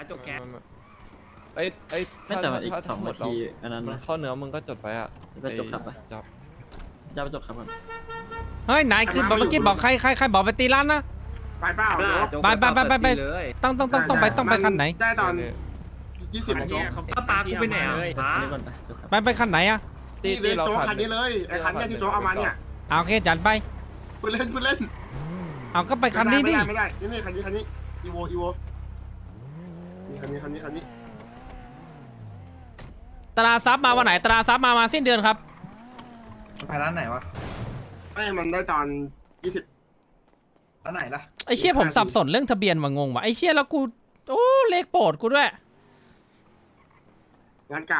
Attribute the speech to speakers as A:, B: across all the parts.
A: จบแคส
B: ไม่แต่อีก2 นาทีอันนั้น
C: มันเข้าเนื้อมึงก็จดไว้อ่ะ
B: จะจบครับ
C: จับ
B: จะไปจบครับก่อน
D: เฮ้ยนายคือเมื่อกี้บอกใครบอกไปตีร้านนะ
E: ไปเปล่า
D: ไปต้องไปคันไหน
E: ได้ตอน20โจ๊ก
A: ป้าปากูไปไหนอ่ะป้า
B: นี่ก่อนไปจบครับ
D: ไปคันไหนอะ
E: นี่เลยโจ๊กคันนี้เลยไอ้คันนี้ที่โจ๊กเอามาเนี่ย
D: เอาโอเคจัดไป
E: คุณเล่น
D: เอาก็ไปคันนี้ดิ
E: ไม่ได้นี่คันนี้อีโวนี่คันนี้
D: ตราซับมาวันไหนตราซับมาสิ้นเดือนครับ
F: ไปร้านไหนวะ
E: ไม่มันได้ตอน20
F: ร้านไหนล่ะ
D: ไอเชี่ยผมสับสนเรื่องทะเบียนว่างงว่ะไอเชี่ยแล้วกูโอ้เลขโปรดกูด้วย
E: งานกลาง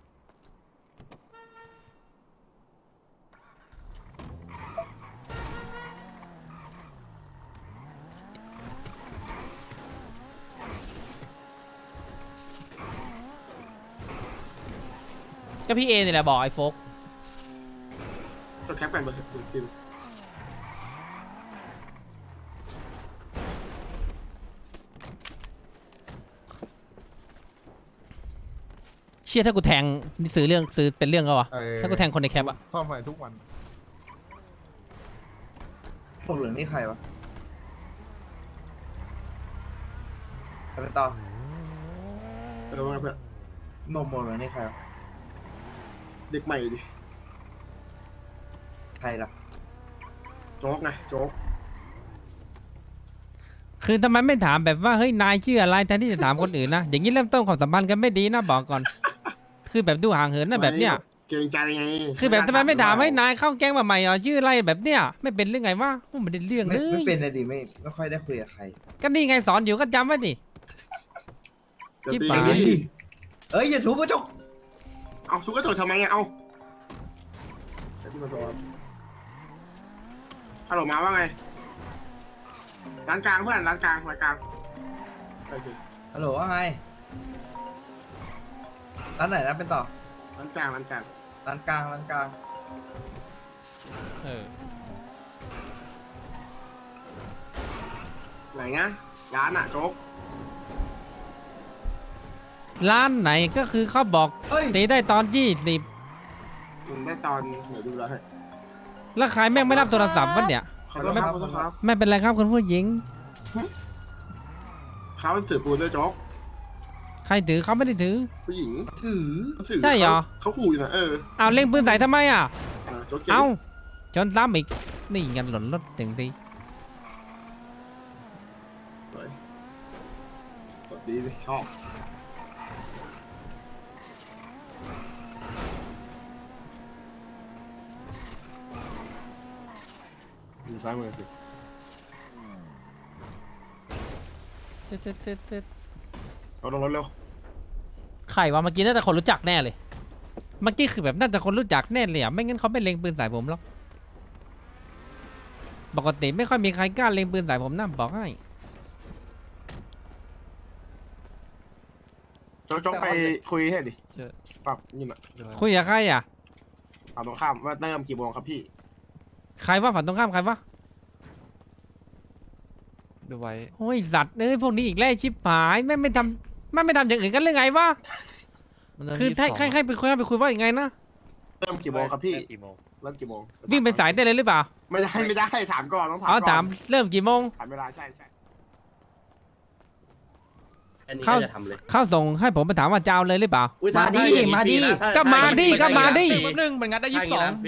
D: ก็พี่เอนี่แหละบอกไอ้โฟก
E: ตัวแคปกันเบอร์ติม
D: เชี่ยถ้ากูแทงนี่ซื้อเป็นเรื่องก็วะถ้ากูแทงคนในแคปอะ
G: ซ่อมไฟทุกวัน
F: พวกเหลืองนี่ใครวะไปต่อ
E: เพื่อน
F: โมโมเหลืองนี่ใครวะ
E: เด็กใหม่ดิ
F: ใครล่ะ
E: โจ๊กไงโจ๊ก
D: คือทำไมไม่ถามแบบว่าเฮ้ยนายชื่ออะไรแทนที่จะถามคนอื่นนะอย่างนี้เริ่มต้นความสัมพันธ์กันไม่ดีนะบอกก่อน คือแบบดูห่างเหินนะแบบเนี้ย
E: เกรงใจไง
D: คือแบบทำไมไม่ถามให้นายเข้าแก๊งมาใหม่อ่ะชื่ออะไรแบบเนี้ยไม่เป็นเรื่องไงวะไม่ได้เรื่องเล
F: ไม่
D: ย
F: เป็นเลยดิไม่ค่อยได้คุยกับใคร
D: ก็นี่ไงสอนอยู่ก็จำไว้ดิ จิ๊บหาย
F: เอ้ยอย่าถูกกระจก
E: เอาซุกกระโดดทำไมเนี่ยเอาฮัลโหลมาว่าไงร้านกลางเพื่อนร้านกลางโอเค
F: ฮัลโหลว่าไงร้านไหนนะเป็นต่อ
E: ร้านกลาง
F: ร้านกลาง
D: เออ
E: ไหนนะร้านอะโจ๊ก
D: ร้านไหนก็คือเขาบอก
F: เฮ้ย
D: ตีได้ตอน20
E: มันได้ตอนไหนดูแล้วให้
D: แล้วใครแม่งไม่รับโทรศัพท์วะเนี่ย
E: ขอโทษครับ
D: ไม่เป็นไรครับคุณผู้หญิง
E: เขาถือปืนด้วยโจ๊ก
D: ใครถือเขาไม่ได้ถือ
E: ผู้หญิง
F: ถือ
D: ใช่เหรอ
E: เขาขู่อยู่นะ
D: เอาเล็งปืนใส่ทำไมอ่ะ
E: โจ๊ก
D: เอาชนซ้ำอีกนี่งันหล่นรถถึงที
E: ดีเลยชอบอยู่ซ้ายมือสิเอาลงรถเร็ว
D: ใครวะเมื่อกี้น่าจะคนรู้จักแน่เลย เมื่อกี้คือแบบน่าจะคนรู้จักแน่เลยอ่ะไม่งั้นเขาไม่เล็งปืนใส่ผมหรอกปกติไม่ค่อยมีใครกล้าเล็งปืนใส่ผมนะบอกให้
E: โจ๊กไปคุยให้ดิ
C: เจอ
E: ปรับนี่น่ะ
D: คุยกับใครอ่ะ
E: ฝั่งตรงข้ามว่าเริ่มกี่โมงครับพี่
D: ใครว่าฝั่งตรงข้ามใครวะ
C: ดูไว้
D: โอ้ยสัตว์เอ้ยพวกนี้อีกแล้วชิบหายไม่ทำอย่างอื่นกันเรื่องไงวะ
C: มันเริ่ม
D: คือให้
C: 22
D: ให้ไปคุยว่าอย่างไงนะ
E: เริ่มกี่โมงครับพี่
A: กี่โมง
E: เริ่มกี่โมง
D: วิ่งไปสายได้เลยหรือเปล่า
E: ไม่ได้ถามก่อนต้องถาม
D: อ๋อ
E: ก่อน
D: ถามเริ่มกี่โมง
E: ถามเวลาใช่
B: อันนี้
D: เข้า
B: ก็จะทำเลย
D: เข้าส่งให้ผมไปถามว่าจะเอาเลยหรือเปล่า
F: มาดิมาดิ
D: ก็มาดิก็มาดิ
A: แป๊บนึงมันงัดได้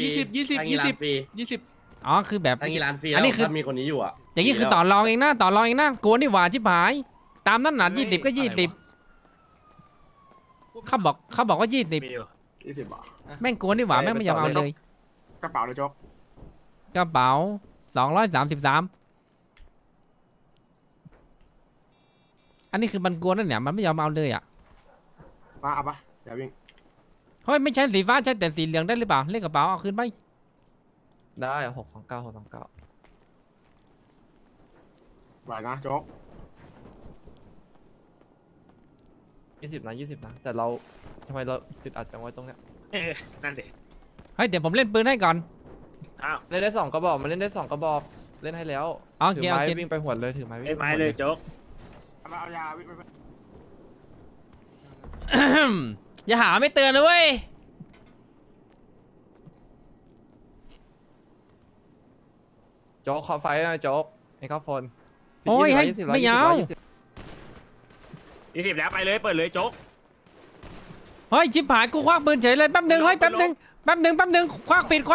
A: 20
D: อ๋อคือแบบ
B: ทางนี้ร้านฟรี
D: อันนี้คือ
B: ถ้ามีคนนี้อยู่อ่ะ
D: อย่างนี้คือต่อรองเองนะกลัวนี่หว่าชิบหาย ตามนั้นหนา20ก็20เขาบอกว่า20
E: 20 บาท
D: แม่งกลัวนี่หว่าแม่งไม่ยอมเอาเลย
E: กระเป๋าเลยโจ๊ก
D: กระเป๋า233อันนี้คือมันกลัวนั่นเนี่ยมันไม่ยอมเอาเลยอ่ะ
E: มาเอาปะเดี๋ยววิ่ง
D: เฮ้ยไม่ใช่สีฟ้าใช่แต่สีเหลืองได้หรือเปล่าเลขกระเป๋าเอาคืนไป
C: ได้629
E: ไหวนะโจ๊ก
C: 20นะแต่เราทำไมเราติดอัดจังไว้ตรงเนี้ย
A: นั่นดิ
D: เฮ้ยเดี๋ยวผมเล่นปืนให้ก่อน
A: อ้าว
C: เล่นได้2กระบอกมันเล่นได้2กระบอกเล่นให้แล้ว
D: อ๋อ
C: ถื
D: เกียร์
C: ไม้
D: เกียร์
C: วิ่งไปหวดเลยถือไม้วิ่ง
A: ไอ้ไม้เลยโจ๊ก
E: เอายาวิ่งไป
D: อย่าหาไม่เตือนนะเว้ย
C: โจ๊กขอไฟหน่อยโจ๊กไอ้ข้าวโฟน
D: โอ้ยให้ไม่ยาว
A: 20แล้วไปเลยเปิดเลยโจ๊ก
D: เฮ้ยชิบหายกูควักปืนเฉยเลยแป๊บหนึงเฮ้ยแป๊บหนึงควักปิด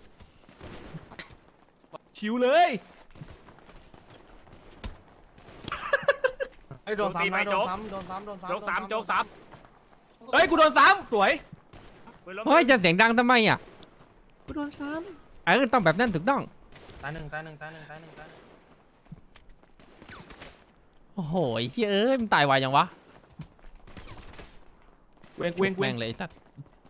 A: ชิวเลย
F: ไอ้โดนซ้ำนะโดนซ้ำโดนซ้ำโดนซ้ำ
A: โจ๊ก3โจ๊ก3เฮ้ยกูโดน3สวย
D: เฮ้ยจะเสียงดังทำไมอ่ะ
F: กูโดนซ้
D: ต้องแบบนั้นถูกต้อง
F: ำตายหนึ่งตายหนึ่งตายหนึ่งตายหนึ่งตายหนึ่ง
D: โอ้โหไอ้เหี้ยเอ้ยมันตายไวยังวะ
A: เวง
D: แม่งเลยไอ้สัตว์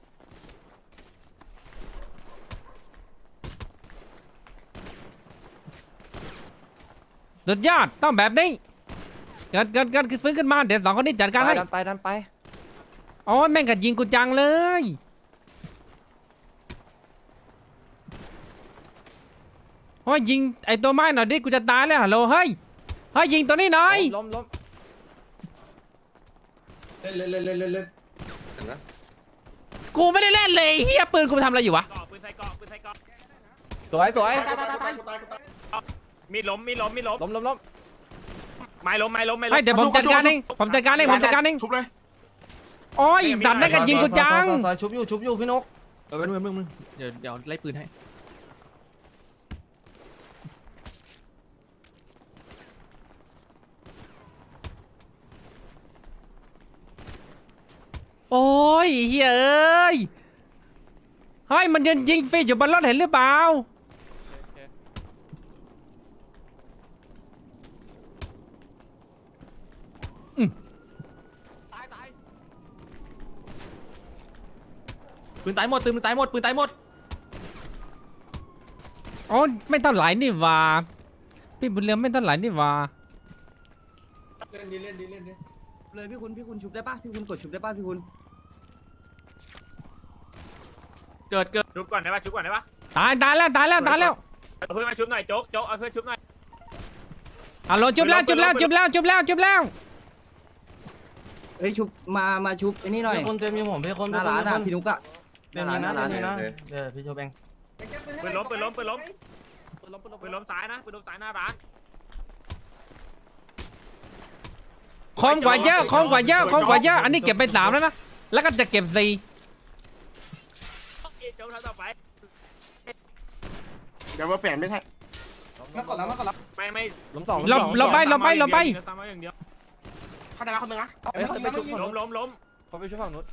D: สุดยอดต้องแบบนี้เกิดฟื้นขึ้นมาเดี๋ยวสองคนนี้จัดการให้
C: ดันไป
D: อ๋อแม่งกัดยิงกูจังเลยโอ้ยยิงไอตัวไม้หน่อยดิกูจะตายแล้วฮัลโหลเฮ้ยยิงตัวนี้หน่อย
C: ล้ม
E: เล่นเล่นเล่นเล่นเล่นเล่น
D: กูไม่ได้เล่นเลยเฮียปืนกูไปทำอะไรอยู่วะ
A: เกาะปืนใส่เกาะปืนใส่เกาะ
C: สวย
E: ตายกูตาย
A: มีดล้ม
C: ล้ม
A: ไม้ล้ม
D: เฮ้ยเดี๋ยวผมจัดการเอง
E: ทุบเลย
D: โอ้ยสัตว์นั่นกัดยิงกูจัง
F: ซอยชุบอยู่พี่นก
A: มึงเดี๋ยวไล่ปืนให้
D: โอ้ยเฮ้ยเอ้ยเฮ้ยมันยืนยิงฟรีอยู่บนรถเห็นหรือเปล่า
A: ปืนตายหมดปืนตายหมด
D: อ๋อไม่เท่าไหร่นี่หว่าพี่บุญเรืองไม่เท่าไหร่นี่หว่า
E: เล่นดีเล่นดีเล่นดี
F: เลยพี่คุณชุบได้ป่ะพี่คุณกดชุบได้ป่ะพี่คุณ
A: เกิดชุบก่อนได้ปะชุบก่อนได้ปะ
D: ตายแล้ว
A: เอาเพื่อนมาชุบหน่อยโจ๊กเอาเพื่อนชุบหน่อย
D: ฮัลโหลจุบแล้ว
G: เฮ้ยชุบมาชุบไอ้นี่หน่อย
F: พี่คุณเต็มอยู่ผมพี่คุณ
G: หน้าร้านอ่ะพี่นุกอะ
F: เต็มอยู่นะเต็มอยู่นะเดี๋ยวพี่โชว์เอง
A: ปืนล้มซ้ายนะปืนล้มซ้ายหน้าร้าน
D: คมกว่าเยอะอันนี้เก็บไป3แล้วนะแล้วก็จะเก็บ4
A: โจ๊กต่อไป
E: เดี๋ยวมาเปลี่ยนไม่ใช่
G: มาก่อนแล้ว
A: ไม่
C: ล้มสอง
D: เราไป
A: ซ้ำเอาอย่างเดียว
E: เข้าใจแล้วคนนึงนะ
C: เฮ้ยเขาไปชุบฝั่งนู้น
A: ล้ม
C: เขาไปชุบฝั่งนู้น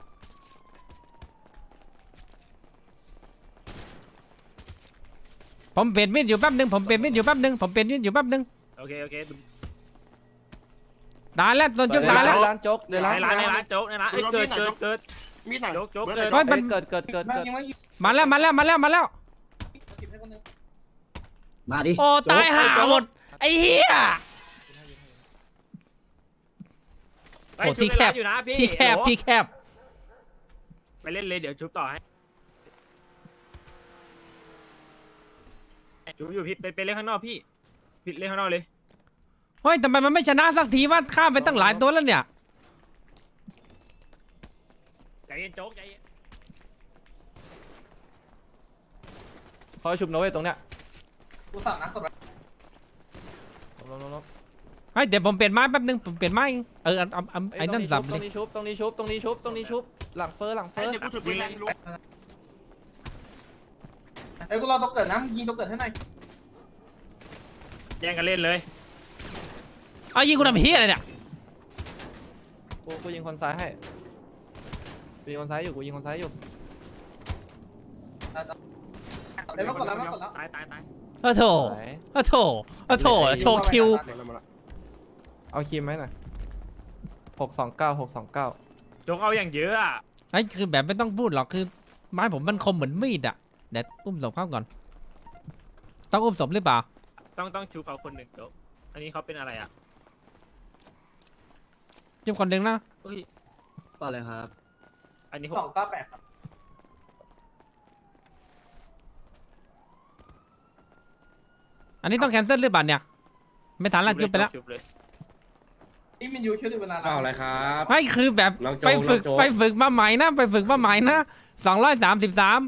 D: ผมเปลี่ยนมีดอยู่แป๊บนึง
A: โอเค
D: ตายแล้วตัวจุบตายแล้ว
C: ร้านโจ๊กในร้าน
A: ในร้านโจ๊กในร้านเกิด
E: มีดหน่อย
A: โจ๊ก
D: เฮ้ยมัน
C: เกิด
D: มาแล้ว
G: มาดิ
D: โอ้ตายห่าหมดไอ้เหี้ย โอ้ที่แคบ
A: อยู่นะพี่
D: ที่แคบ
A: ไปเล่นเลยเดี๋ยวชุบต่อให้ชุบอยู่พี่ไปเล่นข้างนอกพี่เล่นข้างนอกเลย
D: เฮ้ยทำไมมันไม่ชนะสักทีว่าข้ามไปตั้งหลายตัวแล้วเนี่ย
A: ใจเย็นโจ๊กใจเย็น
C: เขาไปชุบนะเว้ยตรงเนี้ย
G: กูสั่งนะกด
C: ล้ม
D: เฮ้ยเดี๋ยวผมเปลี่ยนไม้แป๊บนึงผมเปลี่ยนไม้เอาไอ้นั่นสับ
C: ต
D: เล
C: รง
D: ย
C: นี้ชุบหลังเฟอร์
E: ไอ้เดี๋ยวกูถือปืนแรงลุก
G: เฮ้ยกูรอตัวเกิดนะยิงตัวเกิดให้หน่อย
A: แย่งกันเล่นเลย
D: เอายิงกูทำเหี้ยอะไรเนี่ย
C: กูยิงคนซ้ายให้กูยิงคนซ้ายอยู่
G: เดี๋ยวมาก่อนแล้ว
A: ตาย
D: โอ้โถโชว์คิว
C: เอาคีมไหมหน่อย629
A: โจ๊กเอาอย่างเยอะอ่ะ
D: ไอ้คือแบบไม่ต้องพูดหรอกคือไม้ผมมันคมเหมือนมีดอ่ะเดี๋ยวอุ้มศพเข้าก่อนต้องอุ้มศพหรือเปล่า
A: ต้องชูเขาคนหนึ่งโจ๊กอันนี้เขาเป็นอะไรอ่ะ
D: จิ้มคนหนึ่งนะ
A: อุ้ย
G: ต่อเลยครับ
A: อันนี้
G: 298ครับ
D: อันนี้ต้องแคนเซิลหรือเปล่าเนี่ยไม่ทันละจุบไปแล้ว
A: ชุบเลย
G: นี่มันอยู่แค่เวลา
B: เปล่าอะไรครับ
D: ไม่คือแบบ
B: น้องโจ๊ก
D: ไปฝึก
B: น้องโจ๊ก
D: ไปฝึกมาใหม่นะไปฝึกมาใหม่นะ233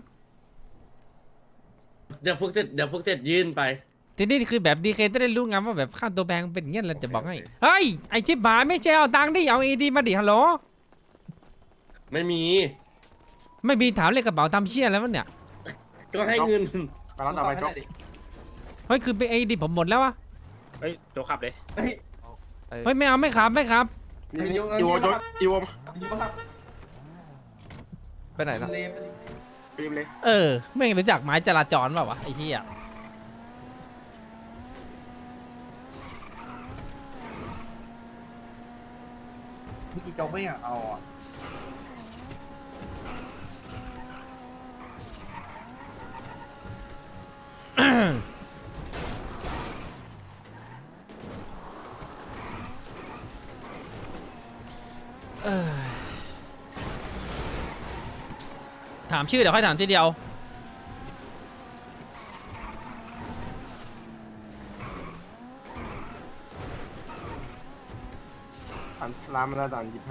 B: เดี๋ยวฝึกเสร็จยื่นไป
D: ทีนี้คือแบบดีเคจะได้รู้ไงว่าแบบค่าตัวแพงเป็นอย่างเงี้ยเราจะบอกให้เฮ้ยไอชิบหายไม่ใช่เอาตังค์ดิเอาเอดีมาดิฮัลโหล
B: ไม่มี
D: ไม่มีถามเลขกระเป๋าทำเชี่ยแล้ววะเนี่ย
B: ก็ให้เงิน
E: ไปแล้วต่อไปจบ
D: เฮ้ยคือไปเอดีผมหมดแล้ววะ
A: เฮ้ยโจขับเลย
C: ไอ้
D: เฮ้ยไม่เอาไม่ครับไม่ครับ
E: นี่อีโวจบอีโว
G: อยู่ปะครับ
C: ไปไหนนะ
G: เลม
E: ฟิล์มเลย
D: เออไม่รู้จักไม้จราจรเปล่าวะไอ้เหี้ย
F: เมื่อกี้โจ๊กไม่อยากเอาอ่ะ
D: ถามชื่อเดี๋ยวค่อยถามทีเดียว
E: ร้านมาแล้วตอน25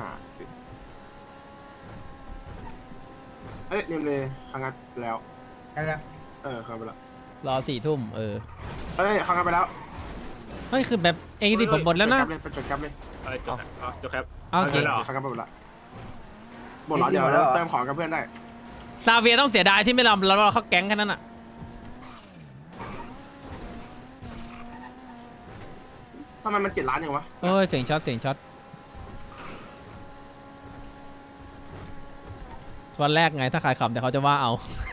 E: เอ้ยเนมเลยครั้งงัดแล้ว
F: อะไร
E: ครั้งไปแล้ว
D: รอ4 ทุ่มเออ
E: เอ้ยครั้งงัดไปแล้ว
D: เฮ้ยคือแบบเอดีผมหมดแล้วนะ
E: ไปจดแคปเลย
A: อะไรโจครับอ๋อโจครับ
D: เอาโอเค
A: เอาเลยเหรอ
E: ครั้งงัดไปหมดละหมดแล้วเดี๋ยวเติมของกับเพื่อนได้
D: ซาเวียต้องเสียดายที่ไม่รอเราเข้าแก๊งแค่นั้นอ่ะ
E: ทำไมมัน7 ล้านอย่างวะ
D: เอ้ยเสียงช็อตเสียงช็อตวันแรกไงถ้าขายขำแต่เขาจะว่าเอา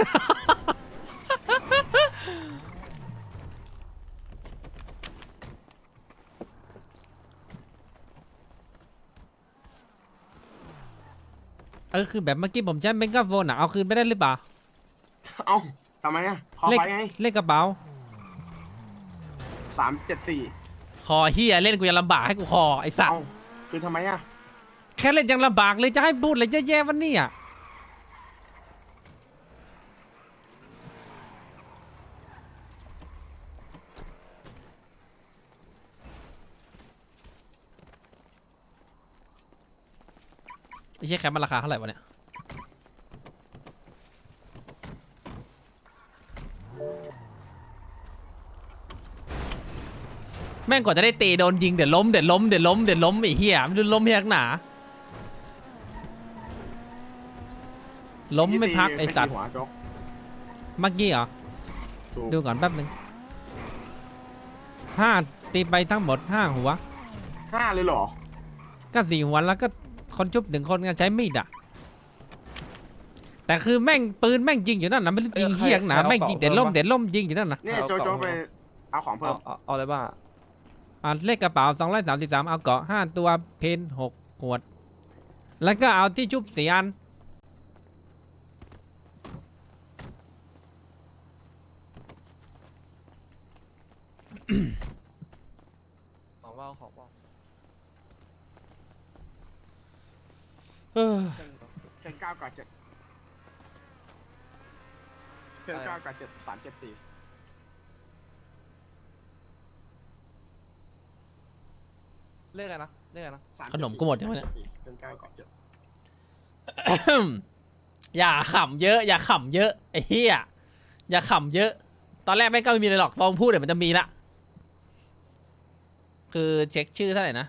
D: คือแบบเมื่อกี้ผมใช้เมกะโฟนอ่ะเอาคืนไม่ได้หรือเปล่า
E: เอ้าทำไมอ่ะคอ
D: เลข
E: ไฟไง
D: เลขกระเป๋า
E: 374
D: คอเฮียเล่นกูยังลำบากให้กูคอไอสัต
E: เอ้า
D: ว์
E: คือทำไมอ่ะ
D: แค่เล่นยังลำบากเลยจะให้พูดเลยแย่ๆวันนี้อ่ะไอ้เชี่ยแคปมันราคาเท่าไหร่วะเนี่ยแม่งกว่าจะได้ตีโดนยิงเดี๋ยวล้มไอ้เหี้ยมันดูล้มเฮียกหนาล้มไม่พักไอ้สัตว์
E: หัวโจ๊ก
D: เมื่อกี้เหรอ
E: ถูก
D: ดูก่อนแป๊บนึง5ตีไปทั้งหมด5 หัว
E: 5เลยเหรอ
D: ก็4 หัวแล้วก็คนชุบ1 คนก็ใช้มีดอ่ะแต่คือแม่งปืนแม่งยิงอยู่นั่นนะไม่รู้ยิงเฮียกหนาแม่งยิงเด็ดล้มยิงอยู่นั่นนะ
E: เนี่ยโจ๊กไปเอาของเพิ่ม
C: เอาอะไรบ้าง
D: เลขกระเป๋า233เอาเกาะ5 ตัวเพน6 ขวด แล้วก็เอาที่ชุบ4 อัน
C: ของว่างของว่าง
D: เออ
E: เพน9กับ7เพน9กับ7 374
C: เลขอะไรนะเลขอะไรนะ
D: ขนมกูหมดยังไงเนี่ย
E: เพน9กับ7
D: อย่าขำเยอะอย่าขำเยอะไอ้เหี้ยอย่าขำเยอะ ตอนแรกแม่งก็ไม่มีอะไรหรอกพอพูดเดี๋ยวมันจะมีละคือเช็คชื่อเท่าไหร่นะ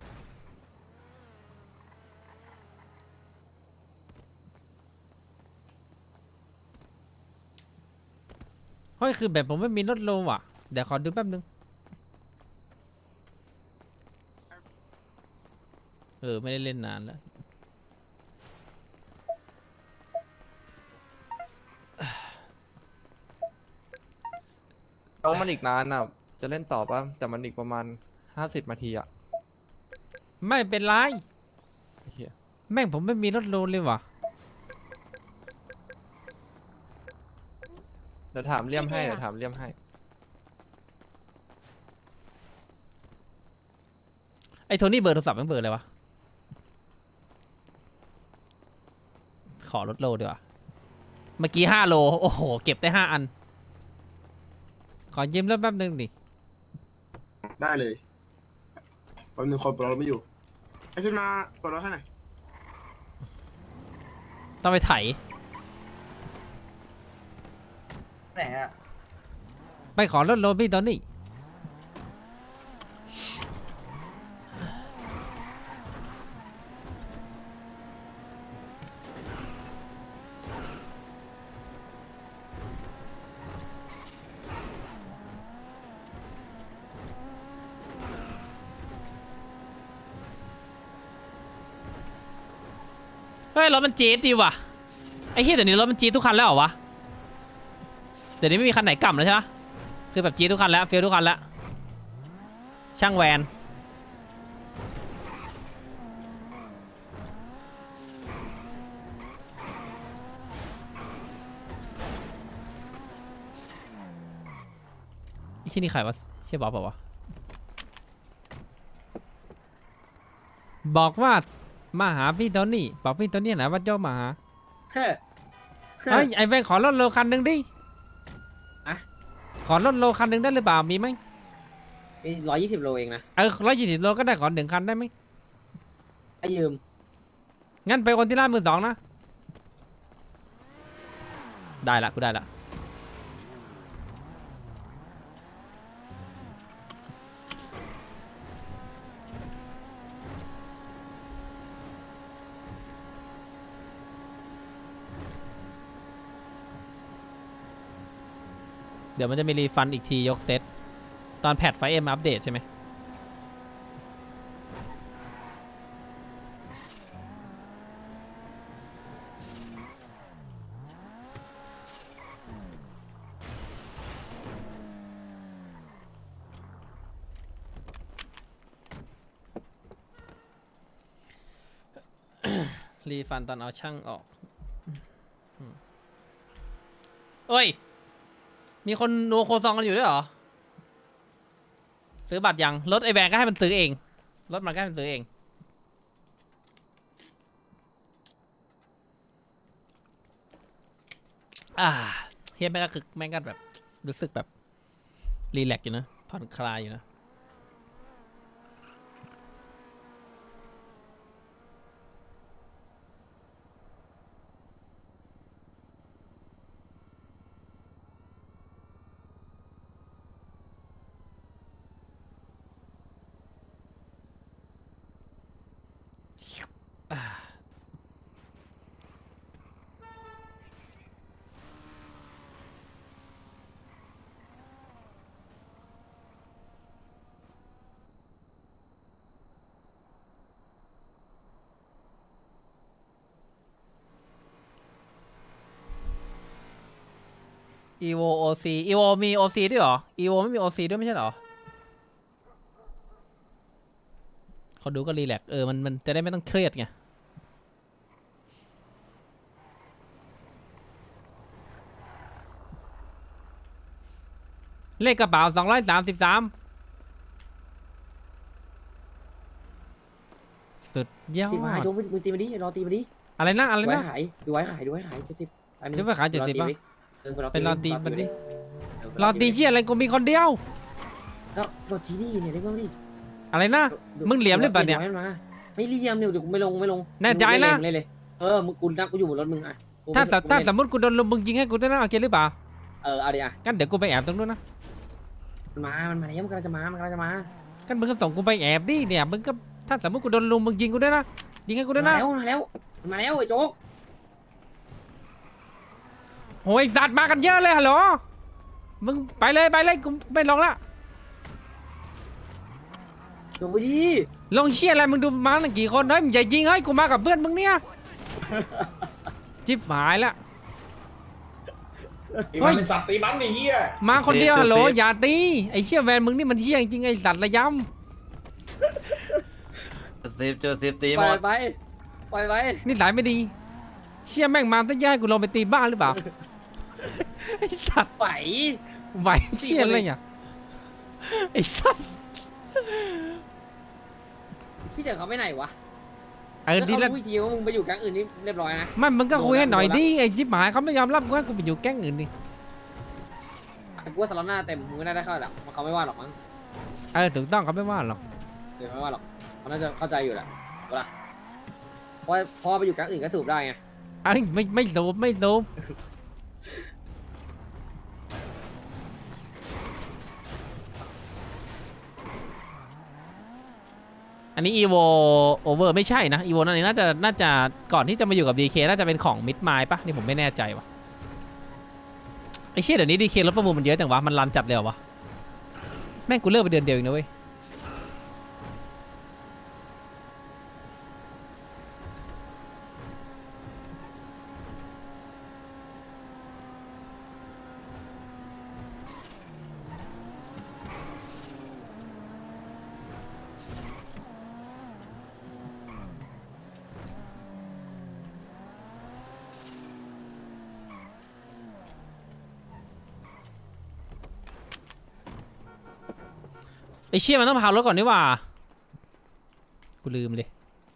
D: เฮ้ยคือแบบผมไม่มีลดโลว่ะเดี๋ยวขอดูแป๊บนึงไม่ได้เล่นนานแล้ว
C: ต้องมันอีกนานอ่ะจะเล่นต่อป่ะแต่มันอีกประมาณ50 นาทีอ่ะ
D: ไม่เป็นไร
C: ไอ้เหี้ย
D: แม่งผมไม่มีลดโลเลยว่ะ
C: เดี๋ยวถามเลี่ยมให้เดี๋ยวถามเลี่ยมให้
D: ไอ้โทนี่เบอร์โทรศัพท์มันเบอร์อะไรวะขอลดโลดีกว่าเมื่อกี้5 โลโอ้โหเก็บได้5 อันขอยืมแล้วแป๊บนึงดิ
E: ได้เลยแป๊บนึงคนเราไม่อยู่ไอ้ขึ้นมากดรถให้หน่อย
D: ต้องไปไถ
F: ไหนอะ
D: ไปขอรถโรบี้ตอนนี้เฮ้ยรถมันจี๊ดดีว่ะไอ้เหี้ยเดี๋ยวนี้รถมันจี๊ดทุกคันแล้วเหรอวะเดี๋ยวนี้ไม่มีคันไหนกล่ำแล้วใช่ไหมคือแบบจี๊ดทุกคันแล้วเฟี้ยวทุกคันแล้วช่างแวนไอ้ที่นี่ใครวะเชี่ยบ๊อบเปล่าวะบอกว่ามาหาพี่โทนี่บอกพี่โทนี่ไหนว่าเจ้ามาหาเฮ้ยไอ้แวนขอรถโลคันหนึ่งดิขอรถโลคันหนึ่งได้หรือเปล่ามีไหม
H: มี120 โลเองนะ
D: 120 โลก็ได้ขอ1 คันได้ไหม
H: ให้ยืม
D: งั้นไปคนที่ร้านมือสองนะได้ละกูได้ละเดี๋ยวมันจะมีรีฟันอีกทียกเซตตอนแพทไฟเอ็มอัปเดตใช่ไหมรีฟันตอนเอาช่างออกเอ้ยมีคนนัวโคซองกันอยู่ด้วยเหรอซื้อบัตรยังรถไอแบงก็ให้มันซื้อเองรถมันก็ให้มันซื้อเองเฮียแม่งก็คือแม่งก็แบบรู้สึกแบบรีแลกซ์อยู่นะผ่อนคลายอยู่นะอีโวโอซีอีโวมีโอซีด้วยเหรออีโวไม่มีโอซีด้วยไม่ใช่เหรอเขาดูก็รีแลกซ์มันจะได้ไม่ต้องเครียดไงเลขกระเป๋า233สุดยอด
H: 10 หายโจมึงตีมาดิรอตีมาดิ
D: อะไรนะอะไร
H: ดูไว้
D: นะ
H: ขายดูไว้ขายดูไว้ขาย70อันนี้
D: จะไปขาย70ป่ะ เป็นรอตีมันดิ
H: ร
D: รอตีเชี่ยอะไรกูมีคนเดียว
H: แล้วรอทีนี่เนี่ยได้บ้างดิ
D: อะไรนะ มึงเหลี่ยมหรือเปล่าเนี่ย
H: ไม่เหลี่ยมเนี่ยเดี๋ยวกูไม่ลงไม่ลง
D: แน่ใจนะ
H: เลยมึงกูนั่งกูอยู่บนรถมึงอ่ะ
D: ถ้าสมมติกูโดนลมมึงยิงให้กูได้นะโอเคหรือเปล่า
H: เอาดิอ่ะ
D: งั้นเดี๋ยวกูไปแอบตรงนู้นนะ
H: มันมาแล้วมันกำลังจะมา
D: งั้นมึงก็ส่งกูไปแอบดิเนี่ยมึงก็ถ้าสมมติกูโดนลุมมึงยิงกูด้วยนะยิงให้กูด้วยนะ
H: มาแล้วไอ้โจ๊ก
D: โอ้ยสัตว์มากันเยอะเลยฮัลโหลมึงไปเลยกูไม่ลงละ
H: ลงไปดิ
D: ลงเชี่ยอะไรมึงดูมาตั้งกี่คนเฮ้ยมึงอย่ายิงเฮ้ยกูมากับเพื่อนมึงเนี่ยจิ๊บหายละ
E: ตีมันเป็นสัตว์ตีมันไอ้เหี้ย
D: มาคนเดียวฮัลโหลอย่าตีไอ้เชี่ยแวนมึงนี่มันเชี่ยจริงไอ้สัตว์ระย
B: เจอซิฟตีห
H: ป
B: ม
H: ล่อย
B: ด
H: ไป
D: ำนี่สายไม่ดีเชี่ยแม่งมาตั้งแย่กูลงไปตีบ้านหรือเปล่าไอ้สัตว์ ไหวเชี่ยอะไรเนี่ยไอ้สัตว์
H: พี่เจอเขาไปไหนวะ
D: ดีแล้ว
H: พูดทีว่ามึงไปอยู่แก๊งอื่นนี่เรียบร้อยนะ
D: ไม่มึงก็คุยให้หน่อยดิไอ้จิ๊บหายเขาไม่ยอมรับกูให้กูไปอยู่แก๊งอื่นดิ
H: กูว่าสล็อตหน้าเต็มมึงไม่ได้เข้าหรอกเขาไม่ว่าหรอกมั้ง
D: ถูกต้องเขาไม่ว่าหรอก
H: เดี๋ยวไม่ว่าหรอกเขาน่าจะเข้าใจอยู่แหละเพราะไปอยู่แก๊งอื่นก็สูบได้ไง
D: ไอ้ยไม่ซูมอันนี้ EVO Over ไม่ใช่นะ EVO นั่นเองน่าจะก่อนที่จะมาอยู่กับ DK น่าจะเป็นของ Mid Mile ปะนี่ผมไม่แน่ใจวะไอ้เชี่ยเดี๋ยวนี้ DK รถประมูลมันเยอะจังวะมันรันจัดเลยเหรอวะแม่งกูเลิกไปเดือนเดียวเองนะเว้ยไอ้เชี่ยมันต้องพารถก่อนนี่หว่ากูลืมเลย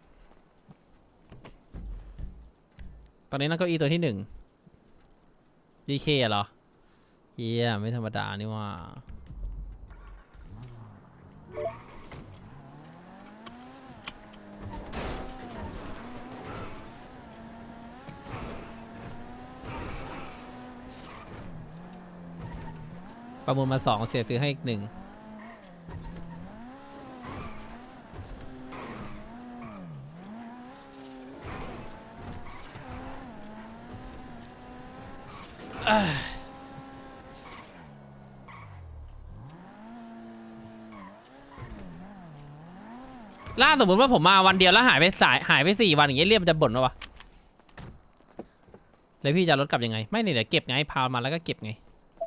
D: ตอนนี้นั่งเก้าอี้ตัวที่1 DK เหรอเฮียไม่ธรรมดานี่หว่าประมูลมา2เสียซื้อให้อีก1ล่าสมมติว่าผมมาวันเดียวแล้วหายไป4 วันอย่างเงี้ยเรียกมันจะบ่นวะเลยพี่จะรถกลับยังไงไม่เนี่ยเดี๋ยวเก็บไงพามาแล้วก็เก็บไง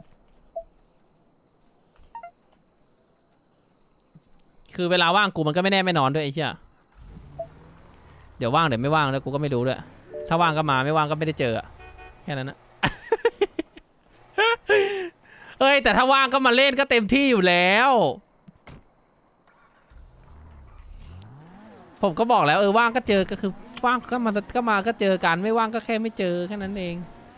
D: คือเวลาว่างกูมันก็ไม่แน่ไม่นอนด้วยไอ้เหี้ยเดี๋ยวว่างเดี๋ยวไม่ว่างแล้วกูก็ไม่รู้ด้วยถ้าว่างก็มาไม่ว่างก็ไม่ได้เจอแค่นั้นนะ เฮ้ยแต่ถ้าว่างก็มาเล่นก็เต็มที่อยู่แล้วผมก็บอกแล้วว่างก็เจอก็คือว่างก็มาก็เจอกันไม่ว่างก็แค่ไม่เจอแค่นั้นเอง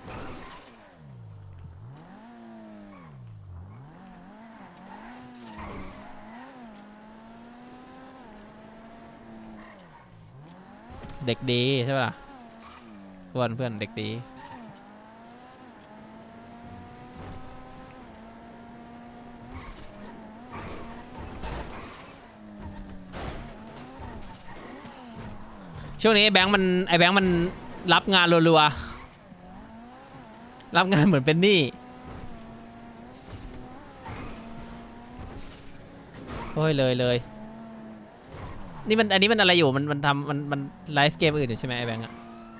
D: เด็กดีใช่ป่ะเพื่อนเด็กดีช่วงนี้ไอ้แบงค์มันรับงานรัวๆรับงานเหมือนเป็นหนี้โอ้ยเลยนี่มันอันนี้มันอะไรอยู่มันทำมันไลฟ์เกมอื่นอยู่ใช่ไหมไอ้แบงค์อะ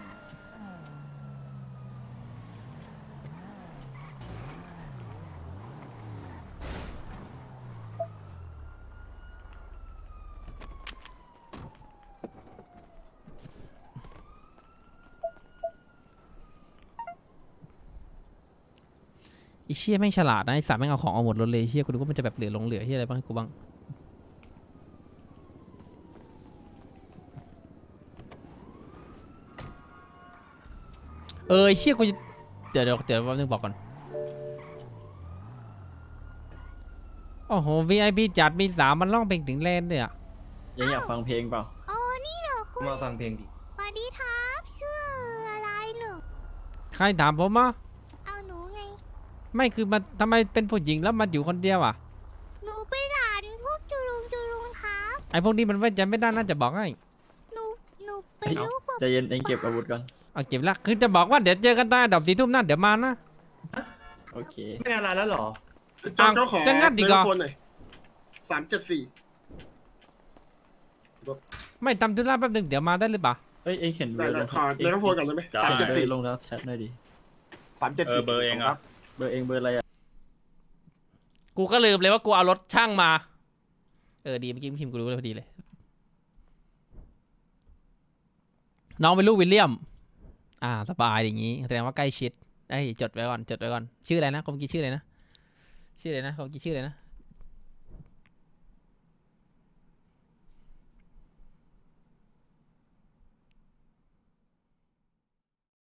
D: ไอ้เชี่ยแม่งฉลาดนะไอ้สัตว์แม่งเอาของเอาหมดรถเลยเชี่ยกูดูว่ามันจะแบบเหลือเหลือเฮียอะไรบ้างให้กูบ้างไอ้เชี่ยกูเดี๋ยวแป๊บนึงบอกก่อนโอ้โห VIP จัดมี3มันร้องเพลงถึงแลนด์เลยอ่ะ
B: ยังอยากฟังเพลงเปล่า
I: อ๋อนี่เหรอคุณ
C: มาฟังเพลงดิ
I: สวัสดีครับชื่ออะไรหนู
D: ใครถามผมมา
I: เอาหนูไง
D: ไม่คือมันทำไมเป็นผู้หญิงแล้วมันอยู่คนเดียวอ่ะ
I: หนูเป็นหลานพวกจุลุงครับ
D: ไอ้พวกนี้มันไว้ใจไม่ได้น่าจะบอกให้
I: หนูเป็นลูกแบบ
B: ใจเย็นเองเก็บอาวุธก่อน
D: เอาเก็บละคือจะบอกว่าเดี๋ยวเจอกันตอนอันดับ4 ทุ่มนั่นเดี๋ยวมานะ
B: โอเค
C: ไม่งานอะไรแล้วเหรอ
E: เจ้าของ
D: จะงัดดีกว่า
E: โฟนหน่อย374
D: ไม่ทำธุระแป๊บนึงเดี๋ยวมาได้หรือเปล่า
B: เอ้ยเองเห็น
E: ได้เลยขอเมกะโฟนก่อนได้ไหม
B: ลงแล้วแชทหน่อยดิ
E: 374
A: เบอร์เองอ่ะ
B: เบอร์เองเบอร์อะไรอ่ะ
D: กูก็ลืมเลยว่ากูเอารถช่างมาดีเมื่อกี้พิมพ์กูรู้เลยพอดีเลยน้องเป็นลูกวิลเลียมสบายอย่างงี้แสดงว่าใกล้ชิดจดไว้ก่อนชื่ออะไรนะคนเมื่อกี้ชื่ออะไรนะคนเมื่อกี้ชื่ออะไรนะ